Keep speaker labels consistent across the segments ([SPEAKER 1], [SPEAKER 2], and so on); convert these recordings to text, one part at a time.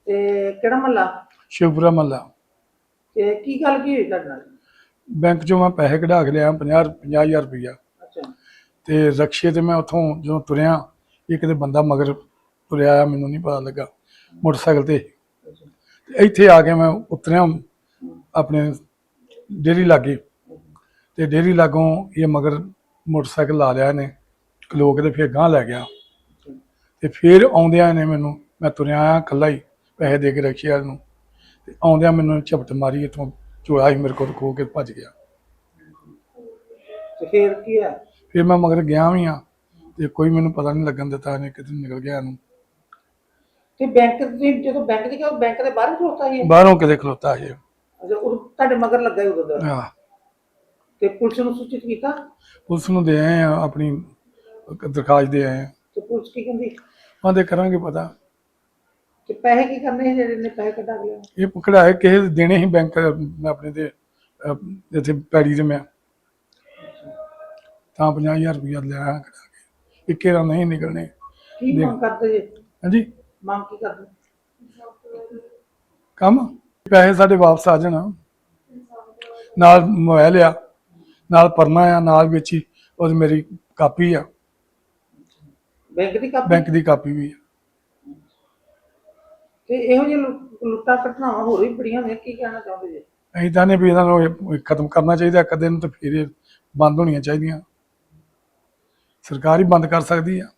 [SPEAKER 1] ਤੇ ਕਿਹੜਾ ਮਹੱਲਾ?
[SPEAKER 2] शिवपुरा महल्ला।
[SPEAKER 1] ਤੇ ਕੀ ਗੱਲ ਕੀ ਹੋਈ ਤੁਹਾਡੇ ਨਾਲ?
[SPEAKER 2] बैंक चों मैं पैसे कढ़ा के लिया 50,000 रुपया।
[SPEAKER 1] ਅੱਛਾ।
[SPEAKER 2] तो रक्शे ते मैं उतों जो तुरया एक ते बंदा मगर तुरया आया, मैनू नहीं पता लगा, मोटरसाइकिल ते
[SPEAKER 1] ਅੱਛਾ।
[SPEAKER 2] इत्थे आके मैं उतरिया अपने डेयरी लागे। तो डेयरी लागों ये मगर मोटरसाइकिल ला लिया इन्हें खलो के, तो फिर गांह लै गया।
[SPEAKER 1] ਅੱਛਾ।
[SPEAKER 2] तो फिर आउंदियां ने मैनू, मैं तुरया आया कल्ला ही पैसे दे के रक्शे वाले नूं, ते आउंदियां मैनू झपट मारी, इत्थों चोड़ा ही मेरे को खो के भज गया।
[SPEAKER 1] ਤੇ ਫਿਰ ਕੀ ਹੋਇਆ?
[SPEAKER 2] फिर मैं मगर गया भी हाँ, तो कोई मैनू पता नहीं लगन दिता, इन्हें कितने निकल गया इनू।
[SPEAKER 1] ਤੇ ਬੈਂਕ ਤੁਸੀਂ ਜਦੋਂ ਬੈਂਕ ਦੀ ਕਿਹਾ ਬੈਂਕ ਦੇ ਬਾਹਰ ਖਲੋਤਾ ਸੀ ਇਹ?
[SPEAKER 2] बाहरों किते खलोता है।
[SPEAKER 1] ਅੱਛਾ, ਉਹ ਤੁਹਾਡੇ ਮਗਰ ਲੱਗਾ ਸੀ ਉਦੋਂ ਦਾ?
[SPEAKER 2] हाँ,
[SPEAKER 1] ਤੇ ਪੁਲਿਸ ਨੂੰ ਸੂਚਿਤ ਕੀਤਾ?
[SPEAKER 2] पुलिस नूं दे आए हैं, अपनी दरखास्त दे आए हैं।
[SPEAKER 1] ਤੇ ਪੁਲਿਸ ਕੀ ਕਹਿੰਦੀ?
[SPEAKER 2] आंदे करांगे पता।
[SPEAKER 1] ਤੇ ਪੈਸੇ ਕੀ ਕਰਨੇ ਸੀ ਜਿਹੜੇ ਨੇ ਪੈਸੇ ਕੱਢਾ ਕੇ ਲਿਆ?
[SPEAKER 2] ये कढ़ाए किसे देने ही बैंक अपने ते इत्थे पैड़ी ते मैं तां 50,000 रुपया लिया कढ़ा के, इक्के दा नहीं निकलने।
[SPEAKER 1] ਕੀ
[SPEAKER 2] देख
[SPEAKER 1] ਮੰਗ ਕਰਦੇ ਜੇ?
[SPEAKER 2] हाँ जी,
[SPEAKER 1] ਮੰਗ ਕੀ ਕਰਦੇ?
[SPEAKER 2] कम पैसे साढ़े वापस आ जाना। नाल मोबाइल आ, नाल परना आ, नाल विच ही और मेरी कापी आ,
[SPEAKER 1] ਬੈਂਕ ਦੀ ਕਾਪੀ?
[SPEAKER 2] बैंक की कापी भी है।
[SPEAKER 1] ਤੇ ਇਹੋ ਜਿਹੇ ਲੁੱਟਾਂ ਘਟਨਾਵਾਂ ਹੋਰ ਵੀ ਬੜੀਆਂ ਨੇ, ਕੀ ਕਹਿਣਾ ਚਾਹੁੰਦੇ ਜੇ?
[SPEAKER 2] ਅਸੀਂ ਚਾਹੁੰਦੇ ਵੀ ਇਹਨਾਂ ਨੂੰ ਖਤਮ ਕਰਨਾ ਚਾਹੀਦਾ ਇੱਕ ਦਿਨ, ਤੇ ਫਿਰ ਇਹ ਬੰਦ ਹੋਣੀਆਂ ਚਾਹੀਦੀਆਂ। ਸਰਕਾਰ ਹੀ ਬੰਦ ਕਰ ਸਕਦੀ ਆ।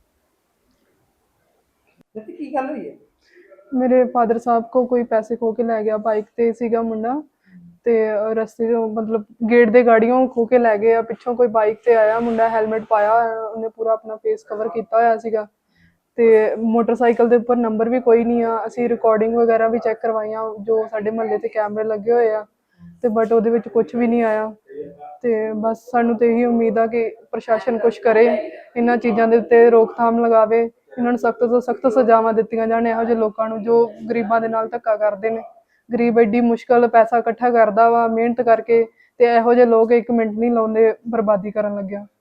[SPEAKER 1] ਤੇ ਕੀ ਗੱਲ ਹੋਈ ਹੈ?
[SPEAKER 3] मेरे फादर साहब को कोई पैसे खो के लै गया, बाइक ते सीगा मुंडा ते रस्ते चों मतलब गेट दे गाड़ियों खो के लै गए। पिछों कोई बाइक ते आया मुंडा, हैलमेट पाया होया, उन्हें पूरा अपना फेस कवर किया होया सीगा ते मोटरसाइकिल दे उपर नंबर भी कोई नहीं आ। असीं रिकॉर्डिंग वगैरह भी चैक करवाइयां जो साडे महल्ले ते कैमरे लगे होए आ, ते बट उहदे विच कुछ भी नहीं आया। ते बस सानूं ते यही उम्मीद आ कि प्रशासन कुछ करे, इन्हां चीज़ां दे उत्ते रोकथाम लगावे, इन्हां नूं सख्त तो सख्त सज़ावां दित्तियां जाण ਇਹੋ ਜਿਹੇ ਲੋਕਾਂ ਨੂੰ ਜੋ ਗਰੀਬਾਂ ਦੇ ਨਾਲ ਧੱਕਾ ਕਰਦੇ ਨੇ। ਗਰੀਬ ਐਡੀ ਮੁਸ਼ਕਲ ਪੈਸਾ ਇਕੱਠਾ ਕਰਦਾ ਵਾ ਮਿਹਨਤ ਕਰਕੇ, ਤੇ ਇਹੋ ਜਿਹੇ ਲੋਕ ਇੱਕ ਮਿੰਟ ਨਹੀਂ ਲਾਉਂਦੇ ਬਰਬਾਦੀ ਕਰਨ ਲੱਗਿਆ।